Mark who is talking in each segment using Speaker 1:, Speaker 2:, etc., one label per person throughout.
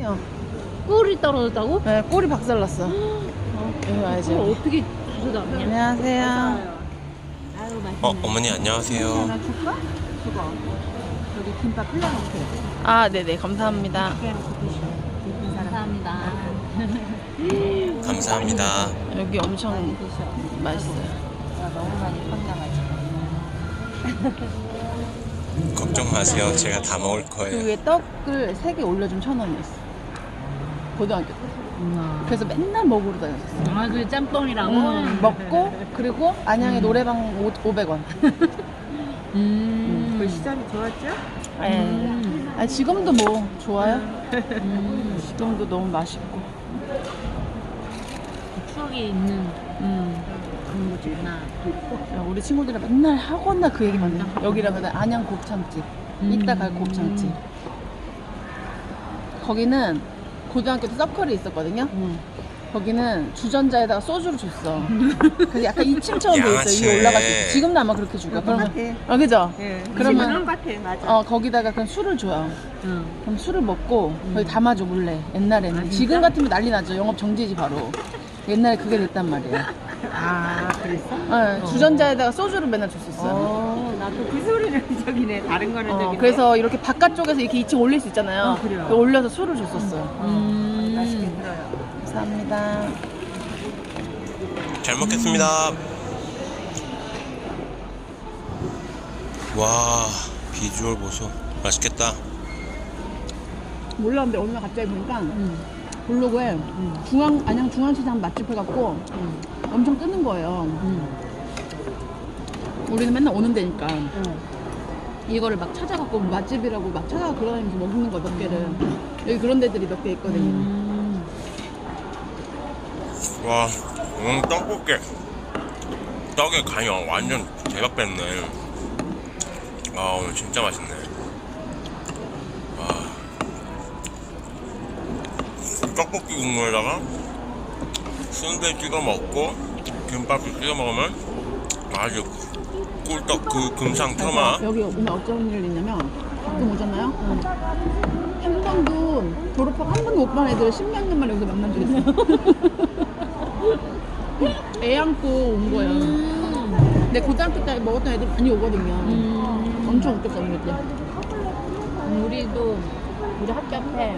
Speaker 1: 어.
Speaker 2: 꿀이 떨어졌다고?
Speaker 1: 네, 꼴이 박살났어. 여기 와야지.
Speaker 2: 그걸 어떻게 주워담냐?
Speaker 1: 안녕하세요.
Speaker 2: 아유 맛있네.
Speaker 3: 어머니 안녕하세요.
Speaker 1: 하나 줄까? 그거. 여기 김밥 흘려놓게. 아, 네네. 감사합니다.
Speaker 2: 감사합니다.
Speaker 3: 감사합니다.
Speaker 1: 여기 엄청 맛있어요.
Speaker 2: 너무 많이 컸나가지고.
Speaker 3: 걱정 마세요. 제가 다 먹을
Speaker 1: 그
Speaker 3: 거예요.
Speaker 1: 위에 떡을 3개 올려주면 1,000원이었어. 고등학교 때. 그래서 맨날 먹으러 다녔었어.
Speaker 2: 아, 그 짬뽕이라고?
Speaker 1: 먹고, 그리고 안양의 노래방 500원.
Speaker 4: 그 시장이 좋았죠?
Speaker 1: 아, 지금도 뭐 좋아요? 지금도 너무 맛있고.
Speaker 2: 추억이 있는 그런 곳이구나.
Speaker 1: 야, 우리 친구들이 맨날 하거나 그 얘기만 해. 여기라면 안양 곱창집. 이따 갈 곱창집. 거기는 고등학교 때 서클이 있었거든요. 거기는 주전자에다가 소주를 줬어. 그래서 약간 2층처럼 돼 있어. 위에 올라갈 때. 지금도 아마 그렇게 줄 거야. 그러면, 그죠?
Speaker 4: 예.
Speaker 1: 그러면-
Speaker 4: 그런 것 같아, 맞아.
Speaker 1: 거기다가 그냥 술을 줘요.
Speaker 2: 응.
Speaker 1: 그럼 술을 먹고 거기 담아줘 몰래. 옛날에는. 지금 같으면 난리 나죠. 영업 정지지 바로. 옛날에 그게 됐단 말이에요.
Speaker 4: 아, 그랬어?
Speaker 1: 주전자에다가 소주를 맨날 줬었어요.
Speaker 4: 나도 그 소리는 저기네. 다른 거는 저기네.
Speaker 1: 그래서 이렇게 바깥쪽에서 이렇게 2층 올릴 수 있잖아요.
Speaker 4: 그래요.
Speaker 1: 그 올려서 술을 줬었어요.
Speaker 4: 맛있게 들어요.
Speaker 1: 감사합니다.
Speaker 3: 잘 먹겠습니다. 와 비주얼 보소. 맛있겠다.
Speaker 1: 몰랐는데 어느 날 갑자기 보니까 블로그에 안양 중앙시장 맛집 해갖고 엄청 뜨는 거예요. 우리는 맨날 오는 데니까 이거를 막 찾아갖고 맛집이라고 막 찾아가 돌아다니면서 먹는 거 몇 개를. 여기 그런 데들이 몇 개 있거든요.
Speaker 3: 와 오늘 떡볶이. 떡에 간이 완전 대박 뺐네. 아 오늘 진짜 맛있네. 떡볶이 국물에다가 순대 찍어 먹고 김밥을 찍어 먹으면 아주 꿀떡 그 금상 트마.
Speaker 1: 여기 오늘 어쩐 일이 있냐면 가끔 오잖아요. 한 번도 졸업하고 한 번도 못 본 애들을 10몇 년 만에 여기서 만난 적 있어요. 애 안고 온 거야. 근데 고등학교 때 먹었던 애들 많이 오거든요. 엄청 웃겼어 언니 때.
Speaker 2: 우리도 우리 학교 앞에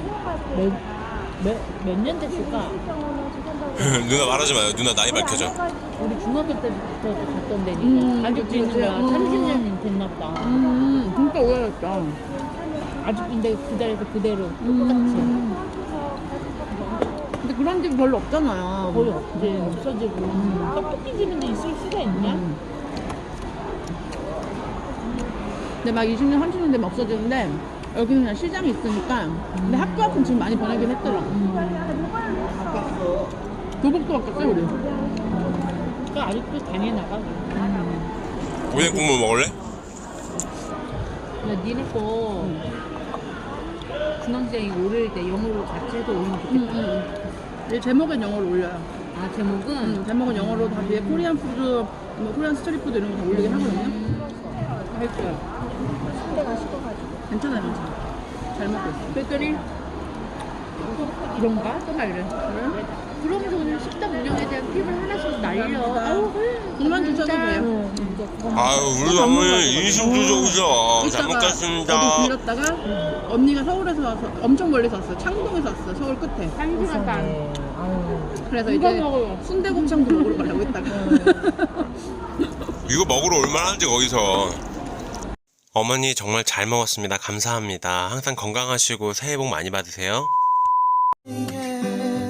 Speaker 2: 몇 년 됐을까?
Speaker 3: 누나 말하지 마요. 누나 나이 밝혀져.
Speaker 2: 우리 중학교 때부터 갔던 데니까 아직도
Speaker 1: 그치,
Speaker 2: 있는
Speaker 1: 그치.
Speaker 2: 거야. 30년이 됐나 보다.
Speaker 1: 진짜 오래됐다.
Speaker 2: 아직 근데 그 자리에서 그대로 똑같이.
Speaker 1: 근데 그런 집 별로 없잖아요.
Speaker 2: 거의 없지. 없어지고. 떡볶이 집인데 있을 수가 있냐?
Speaker 1: 근데 막 20년, 30년 되면 없어지는데 여기는 그냥 시장이 있으니까. 근데 학교 앞은 지금 많이 변하긴 했더라. 교복도 바뀌었어요 우리.
Speaker 2: 그 아직도 당해 나가고.
Speaker 3: 오뎅 국물 먹을래?
Speaker 2: 근데 니네 거 중앙시장이 오를 때 영어로 같이 해서 올리면 좋겠다.
Speaker 1: 이 제목엔 영어로 올려요.
Speaker 2: 아 제목은?
Speaker 1: 제목은 영어로 다 위에 코리안 푸드, 뭐 코리안 스트리트 푸드 이런 거 다 올리긴 하거든요. 할 거예요. 괜찮아요, 괜찮아요. 잘 먹고 있어.
Speaker 2: 그랬더니 이런가? 또 말래. 그러면서 그냥 식당 운영에 대한 팁을 하나씩 날려. 아유,
Speaker 1: 그만 주셔도 돼요.
Speaker 3: 아유 우리 어머니 인심주적이죠. 잘
Speaker 1: 이따가
Speaker 3: 먹겠습니다.
Speaker 1: 어디 들렸다가 언니가 서울에서 와서 엄청 멀리서 왔어요. 창동에서 왔어요. 서울 끝에.
Speaker 2: 1시간 반.
Speaker 1: 그래서
Speaker 2: 누가
Speaker 1: 이제
Speaker 2: 먹어요?
Speaker 1: 순대곱창도 먹으러 가려고 했다가.
Speaker 3: 이거 먹으러 올만 하지 거기서. 어머니 정말 잘 먹었습니다. 감사합니다. 항상 건강하시고 새해 복 많이 받으세요.